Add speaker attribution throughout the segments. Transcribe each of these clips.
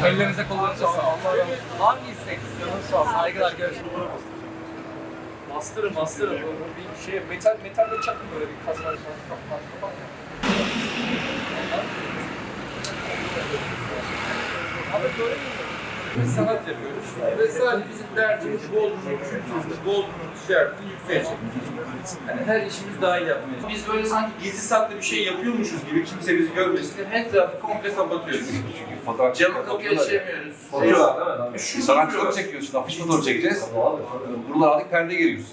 Speaker 1: Ellerinize kolunuza sağlık. Allah razı olsun. Var mı istek? Canınız sağ olsun. Saygılar, görüşürüz. Bastırın. Bir şey, metalle çakın böyle bir kazanır. Abi böyle mi? Biz sanat yapıyoruz ve sadece bizim derdimiz Bodrum'un kültürünü, Bodrum'un ticaretini yükseğe çekmek. Yani her işimiz dahil yapmaya. Biz böyle sanki gizli saklı bir şey yapıyormuşuz gibi kimse bizi görmesin diye her tarafı komple kapatıyoruz.
Speaker 2: Çünkü fotoğraf
Speaker 1: Camı kapıyı açamıyoruz.
Speaker 2: Fotoğraf değil mi? Şu sanatçıları çekiyoruz, şimdi afiş fotoğrafı çekeceğiz. Buralar artık perde giriyoruz.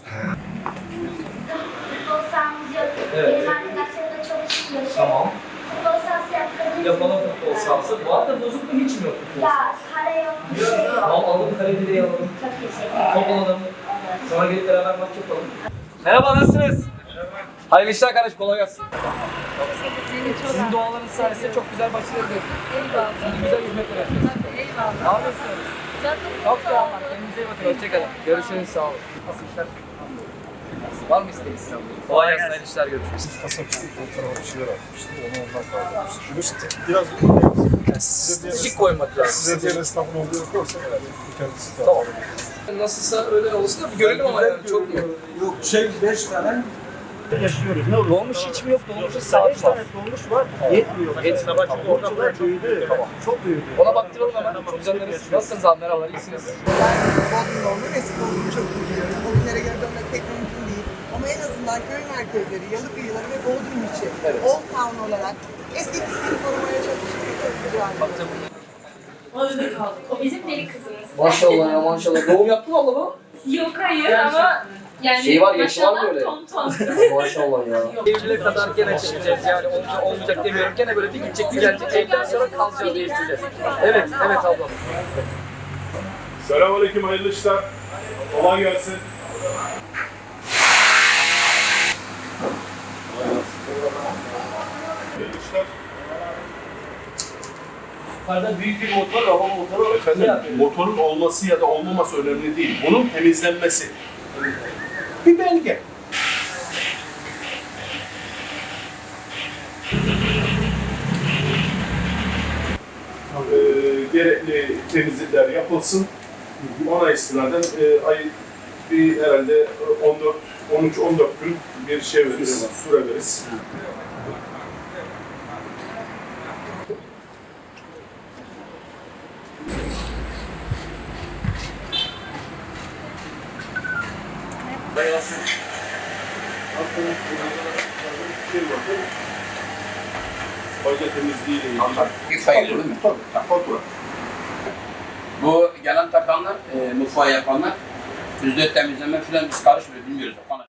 Speaker 3: Futbol sahamız yok.
Speaker 1: Evet.
Speaker 3: Benim arkadaşlarım da çok istiyor.
Speaker 1: Tamam.
Speaker 3: Futbol sahası yaptığımız
Speaker 1: Yapalım futbol sahası. Bu arada bozuk mu hiç mi yok futbol
Speaker 3: Ya
Speaker 1: sahası?
Speaker 3: kare yok, bir şey yok.
Speaker 1: Tamam alalım, kare direği alalım.
Speaker 3: Çok teşekkür ederim.
Speaker 1: Top alalım. Sonra gelip beraber maç yapalım. Merhaba, nasılsınız? Hayırlı işler kardeş, kolay gelsin. Sizin dualarınız sayesinde çok güzel başarılar diliyorum.
Speaker 4: Eyvallah.
Speaker 1: Şimdi güzel hizmetler yapıyorsunuz.
Speaker 4: Eyvallah.
Speaker 1: Ne yapıyorsunuz? Çok sağ olun. Kendinize iyi bakın. Hoşçakalın. Görüşürüz. Sağ olun. Nasıl işler? Var mı isteğiniz? Kolay gelsin. Hayırlı işler. Görüşürüz.
Speaker 5: Kasapçı fotoğrafı bir şeyler atmıştı. Onu ondan kaldırmıştı. Şunu biraz
Speaker 1: Stratejik koymak lazım.
Speaker 5: size diğer esnafın olduğu yoksa herhalde kendisi de
Speaker 1: Tamam. Nasılsa öyle olsun da bir görelim ama yani çok mu?
Speaker 6: Yok 5 tane
Speaker 7: yaşıyoruz. Ne olur?
Speaker 1: Dolmuş hiç mi yok? Dolmuşun saati
Speaker 7: 5
Speaker 1: var.
Speaker 7: tane dolmuş var. Yetmiyor.
Speaker 1: Yetmiyor.
Speaker 7: Sabah çünkü orada büyüdü. Çok büyüdü.
Speaker 1: Ona baktıralım hemen. Düzenleriz. Nasılsınız abi? Merhabalar. İyisiniz.
Speaker 8: Bodrum'da olmak, eski Bodrum'u çok üzülüyorum. O günlere geri dönmek pek mümkün değil. Ama en azından köy merkezleri, yalı kıyıları ve Bodrum içi, Old Town olarak eski pisliğini korumaya çalışırsak çok güzel.
Speaker 4: Orada kaldık. O bizim deli kızımız.
Speaker 1: Maşallah ya maşallah. Doğum yaptın mı abla bu?
Speaker 4: Yok hayır ama yani
Speaker 1: Şey var, yaşı var mı öyle?
Speaker 4: Ton ton.
Speaker 1: Maşallah ya. Eylül'e kadar gene çekeceğiz yani olmayacak demiyorum. Gene böyle bir gidecek bir gelecek. Evden sonra kalacağız, değiştireceğiz. Evet abla.
Speaker 5: Selamünaleyküm, hayırlı işler. Kolay gelsin. Hayırlı işler.
Speaker 7: Yukarıda büyük bir motor, hava motoru.
Speaker 5: Efendim, motorun olması ya da olmaması önemli değil. Bunun temizlenmesi. Bir belge. Gerekli temizlikler yapılsın. Ona istinaden bir herhalde 13-14 gün bir şey veririz, süre veririz. Fayda temizliğiyle ilgili.
Speaker 2: Bir sayılır değil mi?
Speaker 5: Tabii, fatura.
Speaker 2: Bu gelen takanlar, mutfağı yapanlar, yüzde temizleme falan biz karışmıyoruz, bilmiyoruz.